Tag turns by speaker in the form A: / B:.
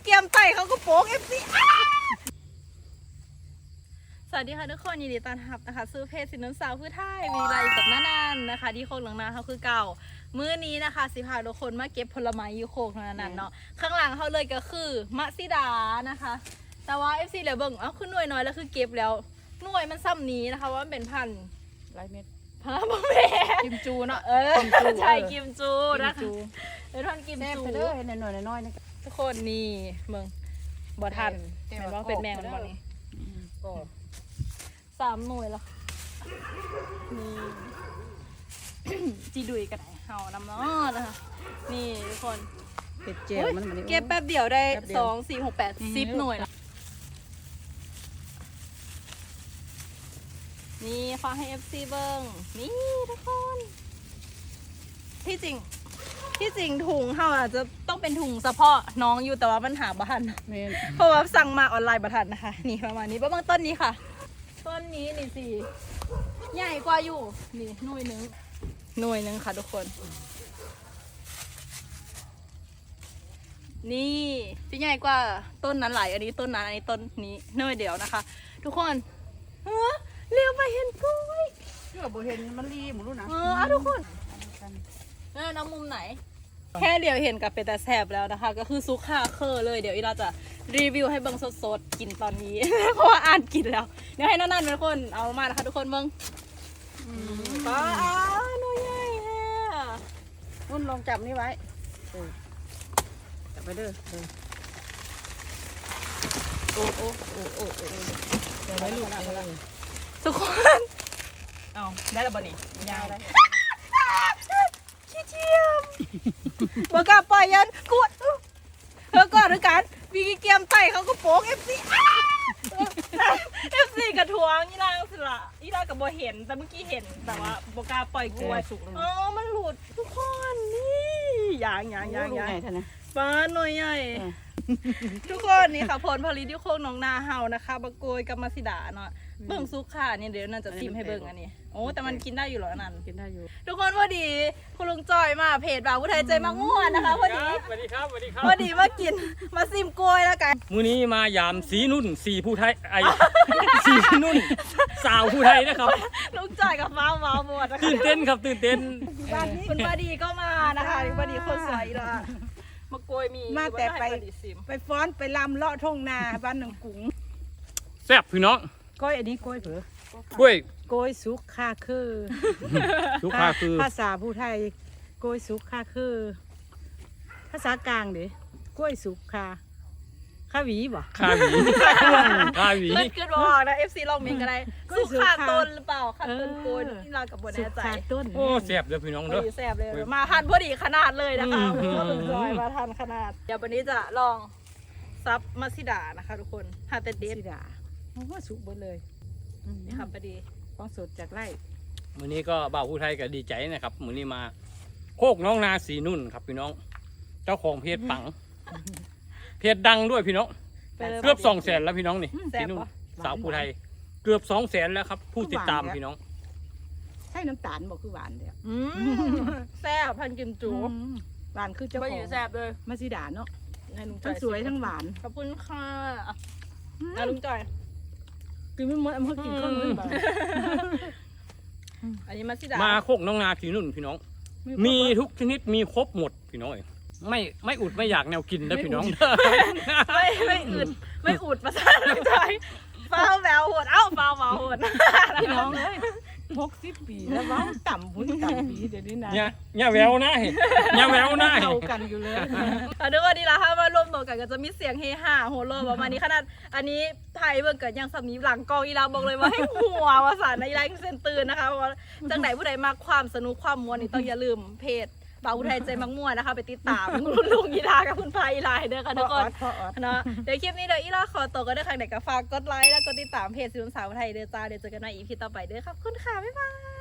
A: เกียมไต่เขาก็โป๊ก FC สวัสดีค่ะทุกคนยินดีต้อนรับนะคะซื้อเพจสินน้ำสาวพื้นไทยมีอะไรกับน้านานนะคะที่โคกหลังนาเขาคือเก่ามื้อนี้นะคะสิพาทุกคนมาเก็บผลไม้ยูโคกนั้นเนาะข้างหลังเขาเลยก็คือมะซิดานะคะแต่ว่า FC เหลือเบิ่งคือหน่วยน้อยแล้วคือเก็บแล้วหน่วยมันซ้ำนี้นะคะว่ามันเป็นพันหลายเม็ดพาบะเม็ดกิมจูเนาะใช่กิมจูนะคะเป็นพันกิมจู
B: ไปเลยน้อยๆนะ
A: ทุกคนนี่มึงบ่ทันเห็นว่าเป็นแมงมันบ่นี่ก็3 หน่วยแล้วนี่ จีดุยกันไหนเฮาน้ำเนาะนะคะนี่ทุกคน
B: เป็ดเจลมัน
A: เก็บแป๊บเดียวได้2 4 6 8 10 หน่วยแล้วนี่ฟังให้ FC เบิ้งนี่ทุกคนที่จริงถุงเฮาอาจจะต้องเป็นถุงเฉพาะน้องอยู่แต่ว่ามันหาบ่ทันเพราะว่าสั่งมาออนไลน์บ่ทันนะคะนี่ประมาณนี้ประมาณต้นนี้ค่ะต้นนี้นี่สิใหญ่กว่าอยู่นี่หน่วยหนึ่งค่ะทุกคนนี่ที่ใหญ่กว่าต้นนั้นหลายอันนี้ต้นนั้นอันนี้ต้นนี้หน่วยเดียวนะคะทุกคนเลี้ยวไปเห็นกล้วย
B: เชื่อบ่เห็นมันรีหมดรู้นะ
A: ทุกคนน้ำมุมไหนแค่เดี๋ยวเห็นกับเป็นแต่แสบแล้วนะคะก็คือซุกค่าเคอเลยเดี๋ยวอีเราจะรีวิวให้เบิ้งสดๆกินตอนนี้ เพราะว่าอ่านกินแล้วเดี๋ยวให้นั่นเป็นคนเอามานะคะทุกคนเบิ้งป้าหน่วยใหญ่แท้
B: นุ่นลองจับนี่ไว้จับไปเด้อโอ้เดี๋ยวไว้ลูก
A: ทุกคนเอาได้แล้วบ่นี่ยาวได้ขี้เจียมบ่กล้าปล่อยยันกดเธอก่อนด้วยกันวีเกียมไต่เขาก็โป๊ก FC กระทวงอีนางสิละอีนางกับบ่เห็นแต่เมื่อกี้เห็นแต่ว่าบ่กล้าปล่อยกล้วยมันหลุดทุกคนนี่อย่างป้าหน่วยใหญ่ทุกคนนี่ค่ะผลผลิตที่โคกหนองนาเฮานะคะบะโกยกับมาซิดาเนาะเบิ่งซุกค่ะนี่เดี๋ยวนั่นจะซิมให้เบิ่งอันนี้โอ้แต่มันกินได้อยู่หรอนั่น
B: กินได้อยู่
A: ทุกคนพอดีคุณลุงจอยมาเพจบ่าวผู้ไทยใจมักม่วนนะคะพอดี
C: สวัสดีครับ
A: พอดีมากินมาซิมกล้วยแล้วกัน
C: มื้อนี้มายามสีนุ่นสีผู้ไทยสีนุ่นสาวผู้ไทยนะครับ
A: ลุงจอยกับฟ้าหมดนะคะ
C: ตื่นเต้นครับตื่นเต้น
A: คุณพอดีก็มานะคะพอดีคนสวยละมะกล้วยมี
B: มาแต่ไปฟ้อนไปลำเลาะทุ่งนาบ้านหนองกุ้ง
C: แซ่บพี่น้อง
B: กล้วยอันนี้กล้วยเผือก
C: ล้วย
B: สุกคาคือ
C: สุกคาคือ
B: ภาษาผู้ไทยกล้วยสุกคาคือภาษากลางดิกล้วยสุกคาหวีบ่
C: คาหวี
A: เกิดบอกนะ FC ลองเมนกันได้สุกขาต้นหรือเปล่าขาต้นโกนที่เรากับบนแน่ใจ
C: โอ้แซ่บเลยพี่น้องเด้อ
A: แซ่บเลยมาทันพอดีขนาดเลยนะคะจอยมาทันขนาดเดี๋ยววันนี้จะลองซับมาซิดานะคะทุกคนฮาเตเดส
B: ซิดาโอ้สุกหมดเลย
A: นี่ค่ะพอดี
B: ของสดจากไร่
C: มื้อนี้ก็บ่าวผู้ไทยก็ดีใจนะครับมื้อนี้มาโคกน้องนาสีนุ่นครับพี่น้องเจ้าของเพจปังเพจดังด้วยพี่น้องเกือบ200,000แล้วพี่น้องนี่สีนุ่นสาวผู้ไทยเกือบ200,000แล้วครับผู้ติดตามพี่น้อง
B: ใช่น้ำตาลบอกคือหวานเดียว
A: แซ่บพันกิมจู
B: หวานคือเจ้าของ
A: แซ่บเลย
B: มาซิดาเนาะทั้งสวยทั้งหวาน
A: ขอบคุณค่ะลุงจอย
B: กินไม่หมดเมื่อกินข้าวมื้อ
A: อันนี้มาซิดา
C: มาโคกน้องนาสีนุ่นพี่น้องมีทุกชนิดมีครบหมดพี่น้องไม่อุดไม่อยากแนวกินนะพี่น้อง
A: ไม่อุดประสาทลุงจอยฟ้าแววโหดฟ้าแววโหด
B: พี่น้องเลย60 ปีแล้วว้าต่ำปีเดี๋ยวนี้นะ
C: เนี่ยแววนะเนี่ยแววนะ
B: เข้ากันอยู่เลย
A: นึกว่าดีละค่ะมารวมตัวกันก็จะมีเสียงเฮฮาโหโลประมาณนี้ขนาดอันนี้ไทยเบิ่งเกิดยังสามีหลังกองอีลาบอกเลยว่าให้หัววาสานในไลฟ์เซนตื่นนะคะว่าจังไหนผู้ใดมาความสนุกความมวลนี่ต้องอย่าลืมเพจบ่าวผู้ไทยใจมักม่วนนะคะไปติดตามลุงอีลากับคุณพายอีลาเด้อค่ะทุกคนเนาะเดี๋ยวคลิปนี้เดี๋ยวอีลาขอตัวก็ได้ค่ะเดี๋ยวก็ฝากกดไลค์แล้วก็ติดตามเพจสินสาวไทยเด้อจ้าเดี๋ยวเจอกันในอีพีต่อไปเด้อขอบคุณค่ะบ๊ายบาย